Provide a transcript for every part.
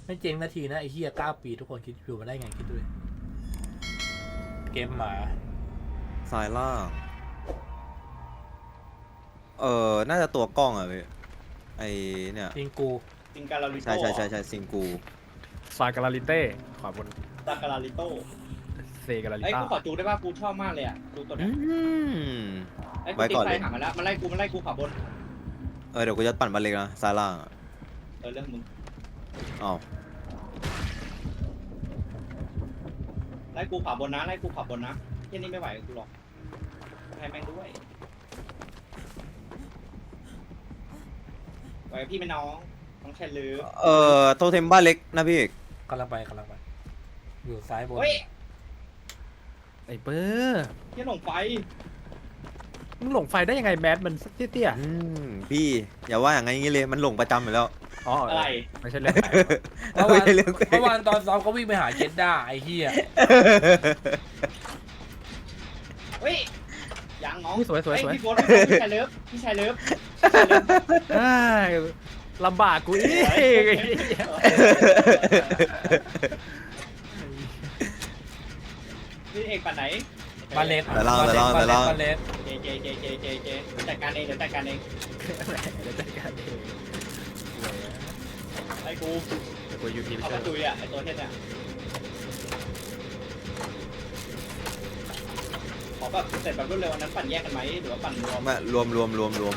ไม่เจ๊งนาทีนะไอ้เหี้ย9 ปีทุกคนคิดอยู่มาได้ไงคิดดูดิเกมหมาซ้ายล่าง น่าจะตัวกล้องอ่ะพี่ไอเนี่ยจริงกูซิงการาลิโต้ใช่ซิงกูซายการาลิเต้ขวาบนซาการาลิโต้เซการาลิไอ้ยต้ากูขอจูได้ป่ะกูชอบมากเลยอ่ะจูตัวอืเนี้ยมไอ้กูไว้ติดก่อนไฟเลยหามาแล้วมันไล่กูขวาบนเดี๋ยวกูจะปั่นบัลเล็กนะซ้ายล่างอะเรื่องมึงอ้าวไล่กูขวาบนนะไล่กูขวาบนนะที่นี่ไม่ไหวกับกูหรอกให้แม่งด้วยไหวกับพี่ไหม่น้องต้องใช้ลือโทเทมบ้านเล็กนะพี่เอกกำลังไปอยู่ซ้ายบนเฮ้ยไอ้เบอร์ที่หลงไฟมึงหลงไฟได้ยังไงแมสมันเตี้ยพี่อย่าว่าอย่างงี้เลยมันหลงประจำอยู่แล้วๆอ๋ออะไรไม่ใช่เรื่องเมื่อวานไม่ใช่เรื่องเมื่อวานตอนซ้อมเขาวิ่งไปหาเจดด้าไอ้เหี้ยเฮ้ยยังน้องสวยเฮ้ยๆพี่โบ๊ทพี่ชายเลิฟพี่ชายเลิฟอ้ายลำบากกูอีกพี่เอกปั่นไหนบาเลนแต่ล่างบาเลนเจจัดการเองเดี๋ยวจัดการเองเดี๋ยวจัดการเองไอ้กูเดี๋ยวกูยูทีไปเอาช่ปวยระตูอ่ะไอ้ตัวเทศเนี่ยขอแบบเสร็จแบบรวดเร็วนั้นปั่นแยกกันไหมหรือว่าปั่นรวมมารวม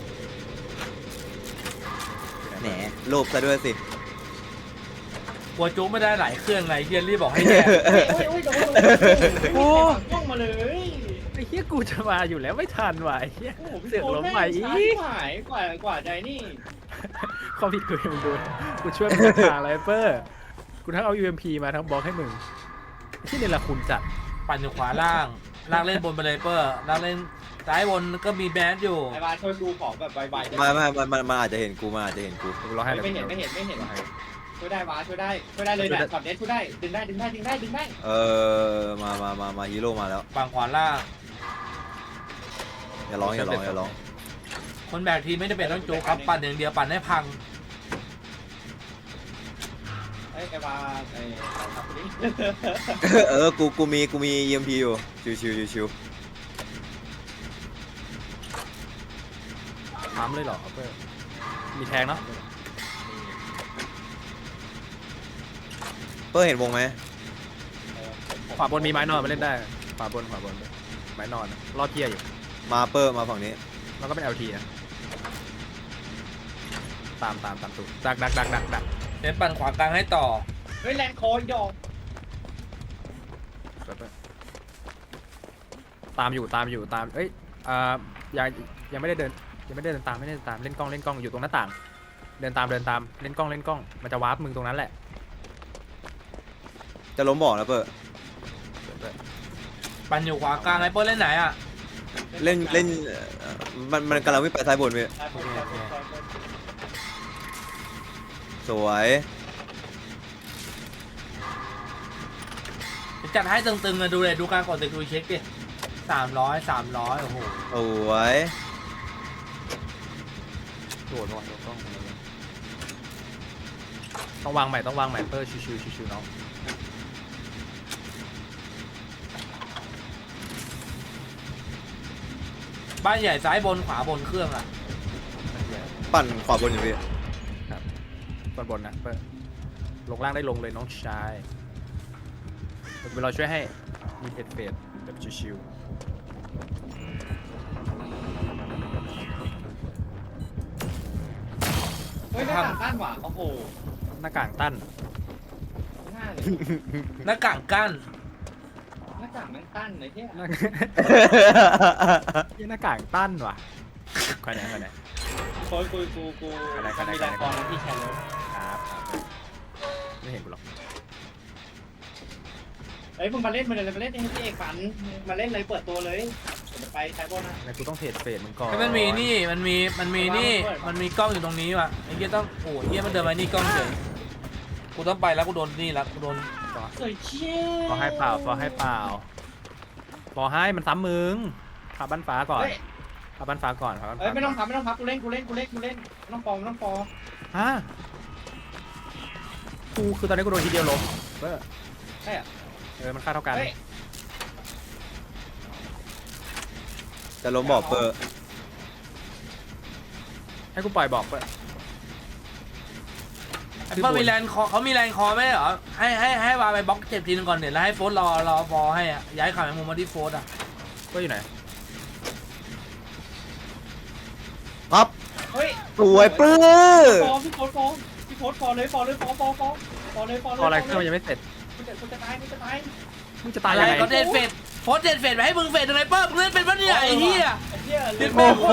แหนโลภซะด้วยสิกลัวจุ๊ไม่ได้หลายเครื่องไงเฮียรีบบอกให้แยกโอ้ยต้องมาเลยไอ้เหี้ยกูจะมาอยู่แล้วไม่ทันว่ะไอ้เหี้ยโอ้โหพี่เสือกโบ๊ทล้มแม่งไปช้าอีที่กหายกว่าใจนี่ความผิดกูเองมึงดูกูช่วยมึงทางอะไรเปอร์กูทั้งเอา UMP มาทั้งบล็อกให้มึงไอ้ที่นี่ละคุณจัดปั่นอยู่ขวาล่างเล่นบนไปเลยเปอร์ล่างเล่นซ้ายบนก็มีแบนอยู่ไอ้บาช่วยดูของแบบไวๆมันอาจจะเห็นกูกูรอให้เลยไม่เห็นช่วยได้วะช่วยได้เลยเนี่ยช็อตเด็ดช่วยได้ดึงได้มาฮีโร่มาแล้วฝั่งขวาล่างอย่าร้องคนแบกทีมไม่ได้เป็นต้องจุ๊ครับปั่นอย่างเดียวปั่นให้พังไอ้บาไอ้ครับนี่กูมี EMP อยู่ชิวถามเลยเหรอเปอร์มีแทงเนาะเปิ้ลเห็นวงไหมขวาบนมีไม้นอนมาเล่นได้ขวาบนไม้นอนรอดเทียอยู่มาเปิ้ลมาฝั่งนี้แล้วก็เป็น LT นะตามตูดักเดี๋ยวปั่นขวากลางให้ต่อเฮ้ยแลนด์คอร์ดอกตามอยู่เอ้ยยังไม่ได้เดินตามเล่นกล้องอยู่ตรงหน้าต่างเดินตามเล่นกล้องมันจะวาร์ปมึงตรงนั้นแหละจะล้มบอกนะเปิ้ลปั่นอยู่ขวากลางไอ้เปอร์เล่นไหนอ่ะเล่นมันกำลังวิ่งไปซ้ายบนพี่สวยจัดให้ตึงๆเลยดูเลยดูการกดตึกดูเช็คดิ300โอ้โหสวยโดดว่ะต้องวางใหม่เปอร์ชิวๆน้องบ้านใหญ่ซ้ายบนขวาบนเครื่องอ่ะปั่นขวาบนอยู่พี่บนนะเปอร์ลงล่างได้ลงเลยน้องชายเดี๋ยวเราช่วยให้มีเฟดแบบชิวเฮ้ยหน้าต่างต้านหว่าโอ้โหๆหน้ากากตั้นง่ายเลยหน้ากากกั้นหน้าต่างแม่งตั้นเลยเที่ยหน้ากากตั้นว่ะใครไหนโอ้ยกูมันมีแรงกองนะพี่แชร์เลยครับไม่เห็นกูหรอกเฮ้ยมึงมาเล่นให้พี่เอกฝันมาเล่นเลยเปิดตัวเลยจะไปใช้บอลนะแล้วกูต้องเทรดเฟดมึงก่อนมันมีนี่มันมีนี่มันมีกล้องอยู่ตรงนี้ว่ะไอ้เหี้ยต้องโอ้ยเหี้ยมันเดินมานี่กล้องเฉยกูต้องไปแล้วกูโดนนี่แล้วกูโดนสวยเชี่ยฟอให้เปล่าฟอให้มันซ้ำมึงพาบ้านฟ้าก่อนพาบ้านฟ้าก่อนเอ้ยไม่ต้องพับกูเล่นไม่ต้องฟอฮะกูคือตอนนี้กูโดนทีเดียวล้มเว้ยใช่อะมันค่าเท่ากันเฮ้ยจะล้มบอกเปอร์ให้กูปล่อยบอกเว้ยไอ้เปิ้ลมีแลนด์คอเขามีแลนด์คอไหมเหรอให้วาไปบล็อกเจ็บทีนึงก่อนเดี๋ยวแล้วให้โฟสรอฟอให้อ่ะย้ายขาแมงมุมมาที่โฟสอ่ะก็อยู่ไหนครับเฮ้ยสวยเปอร์พี่โพสฟอเลยฟอเลยฟอเลยพออะไรเครื่องมันยังไม่เสร็จมึงจะตายมึงจะตายอะไรยังไงก็เดนเฟดโฟสเดนเฟดไปให้มึงเฟดยังไงเปิ้ลมึงเล่นเป็นปะเนี่ยไอ้เหี้ยไอ้เหี้ยเรียกโอ้โห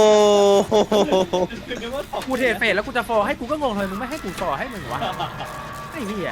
กูเทรดเฟสแล้วกูจะฟอร์ให้กูก็งงเลยมึงไม่ให้กูฟอร์ให้มึงวะไอ้เหี้ย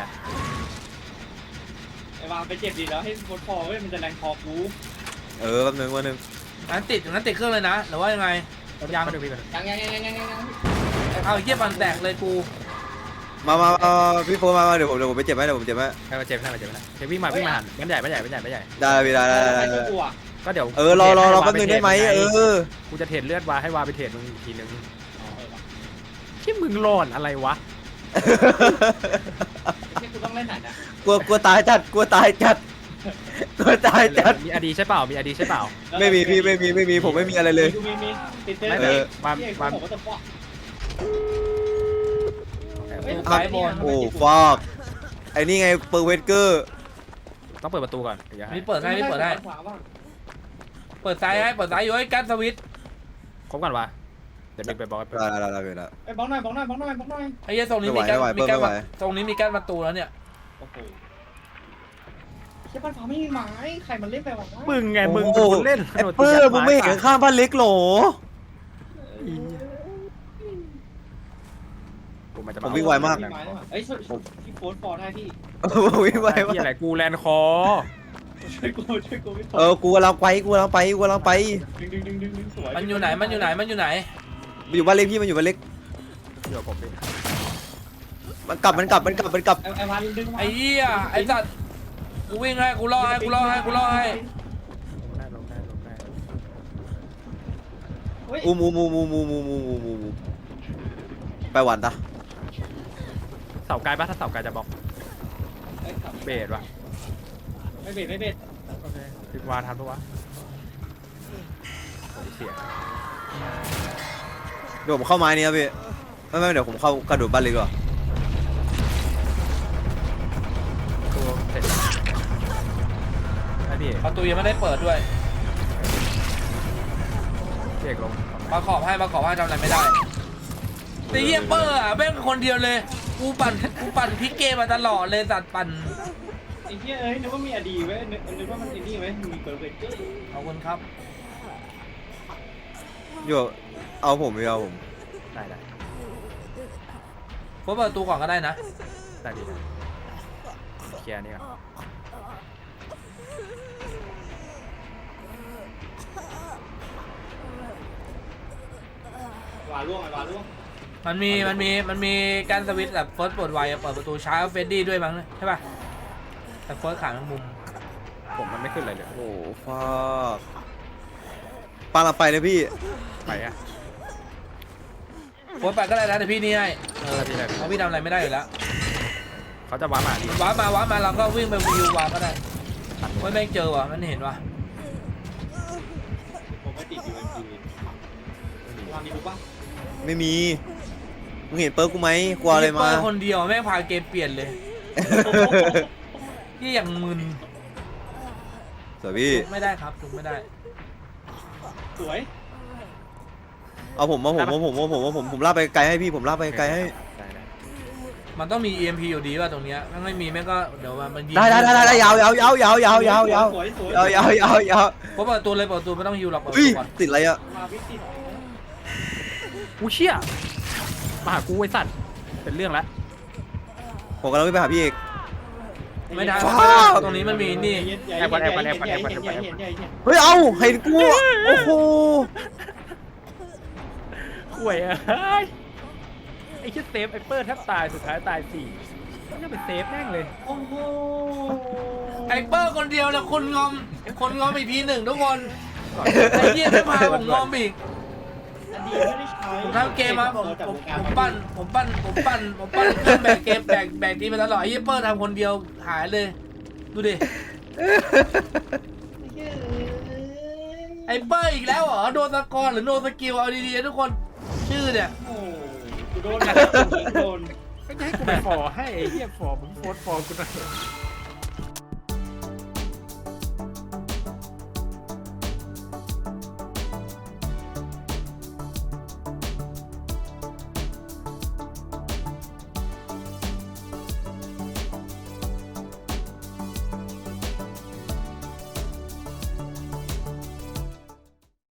ไอ้วางไปเจ็บดีแล้วให้โพสฟอเว้ยมันจะแรงคอกูแป๊บนึงวันนึงงั้นติดเครื่องเลยนะหรือว่ายังไงยังมาดูพี่ก่อนยังเอาไอ้เหี้ยปันแตกเลยกูมาพี่โฟมาเดี๋ยวผมไปเจ็บไหมเดี๋ยวผมเจ็บไหมใครมาเจ็บใครมาเจ็บนะเดี๋ยววิ่งมาหันมันใหญ่ได้พี่ได้กูอ่ะก็เดี๋ยวรอแป๊บนึงได้ไหมกูจะเทรดเลือดวาให้วาไปเทรดมึงอีกทีนึงที่มึงหลอนอะไรวะที่กูต้องเล่นหนักอ่ะกลัวตายจัดมีอดีใช่เปล่ามีอดีใช่เปล่าไม่มีพี่ไม่มีผมไม่มีอะไรเลยมีติดเต้นไม่เลยวาผมก็จะฟอกสายบนโอ้ฟอกไอ้นี่ไงเปอร์เวสเกอร์ต้องเปิดประตูก่อนเดี๋ยวมีเปิดให้เปิดซ้ายอยู่ให้กั้นสวิตช์ครบก่อนวะเดี๋ยวเด็กไปบอกให้เปิดได้ไอ้บ้องหน่อยไอ้เหี้ยตรงนี้มีกั้นตรงนี้มีกั้นประตูแล้วเนี่ยโอ้โหเชี่ยบ้านฟ้าไม่มีไม้ใครมันเล่นไปวะมึงไงมึงเป็นคนเล่นไอ้เปอร์มึงไม่เห็นข้างบ้านเล็กหรอ ผมวิ่งไวมากเอ้ยพี่โฟนฟอร์ได้พี่วิ่งไวที่อะไรกูแลนคอช่วยกูพี่กูกำลังไปดึงสวยมันอยู่ไหนอยู่บ้านเล็กพี่มันอยู่บ้านเล็กเดี๋ยวผมดิมันกลับไอ้วานดึงไอ้เหี้ยไอ้สัตว์กูวิ่งให้กูล่อให้ลงได้อูมูไปหวานตาเสาไกลปะถ้าเสาไกลจะบอกเบสวะไม่เบ็ดโอเคติดวาทันปะวะโอ้ยเสียเดี๋ยวผมเข้าไม้นี้ครับพี่ไม่เดี๋ยวผมเข้ากระโดดบ้านเล็กก่อนตัวเสร็จไอ้พี่ประตูยังไม่ได้เปิดด้วยเอกลงมาขอบให้ทำอะไรไม่ได้แต่เหี้ยเปอร์อ่ะแม่งคนเดียวเลยกูปั่นพลิกเกมมาตลอดเลยสัตว์ปั่นไอ้เหี้ยนึกว่ามีอดีไว้นึกว่ามันไอ้นี่ไว้มีเปิดเบ็ดขอบคุณครับอยู่เอาผมได้เปิดประตูก่อนก็ได้นะได้ดีเคลียร์นี่ก่อนวาล่วงมันมีการสวิตช์แบบเฟิร์สเปิดไวเปิดประตูช้าเฟดดี้ด้วยมั้งใช่ป่ะแต่เฟิร์สขาแมงมุมผมมันไม่ขึ้นอะไรเลยโอ้ฟอกปาเราไปเลยพี่ไปอะเฟิร์สไปก็ได้นะแต่พี่นี่ให้ที่ไหนเพราะพี่ทำอะไรไม่ได้อยู่แล้วเขาจะว้ามาดิมันว้ามาเราก็วิ่งไปวิววาก็ได้เฮ้ยแม่งเจอว่ะมันเห็นว่ะผมไม่ติดอยู่วางมีกูป่ะไม่มีมึงเห็นเปิร์กกูไหมกลัวอะไรมาเปิดคนเดียวแม่งพาเกมเปลี่ยนเลยที่อย่างมึนสวยพี่ไม่ได้ครับถูกไม่ได้สวยเอาผมลากไปไกลให้พี่ผมลากไปไกลให้ได้มันต้องมี EMP อยู่ดีป่ะตรงเนี้ยถ้าไม่มีแม่งก็เดี๋ยวมันยิงได้ยาวสวยเพราะเปิดตัวเลยเปิดตัวไม่ต้องฮิวหรอกเปิดอุ้ยตัวก่อนติดอะไรอะมาวิติกูเชี่ยมาหากูไอ้สัตว์เป็นเรื่องแล้วผมกำลังไปหาพี่เอกไม่ได้ฟ้าตรงนี้มันมีนี่เฮ้ยเอาเห็นกูโอ้โหห่วยไอ้ชิดเซฟไอ้เปิดแทบตายสุดท้ายตาย4มันจะเป็นเซฟแม่งเลยโอ้โหไอ้เปอร์คนเดียวแล้วคนงอมอีกทีหนึ่งทุกคนไอ้เหี้ยไม่พาผมงอมอีกอดีไม่ได้ใช้ผมทำเกมมาผมปั้นเครื่องแบกเกมแบกทีมาตลอดไอ้เหี้ยเปิ้ลทำคนเดียวหายเลยดูดิไอ้เปิ้ลอีกแล้วเหรอโดนสกอร์หรือโดนสกิลเอาดีๆทุกคนชื่อเนี่ยโอ้กูโดนโดนไม่จะให้กูไปฟอให้ไอ้เหี้ยฟอมึงโพสต์ฟอกูหน่อย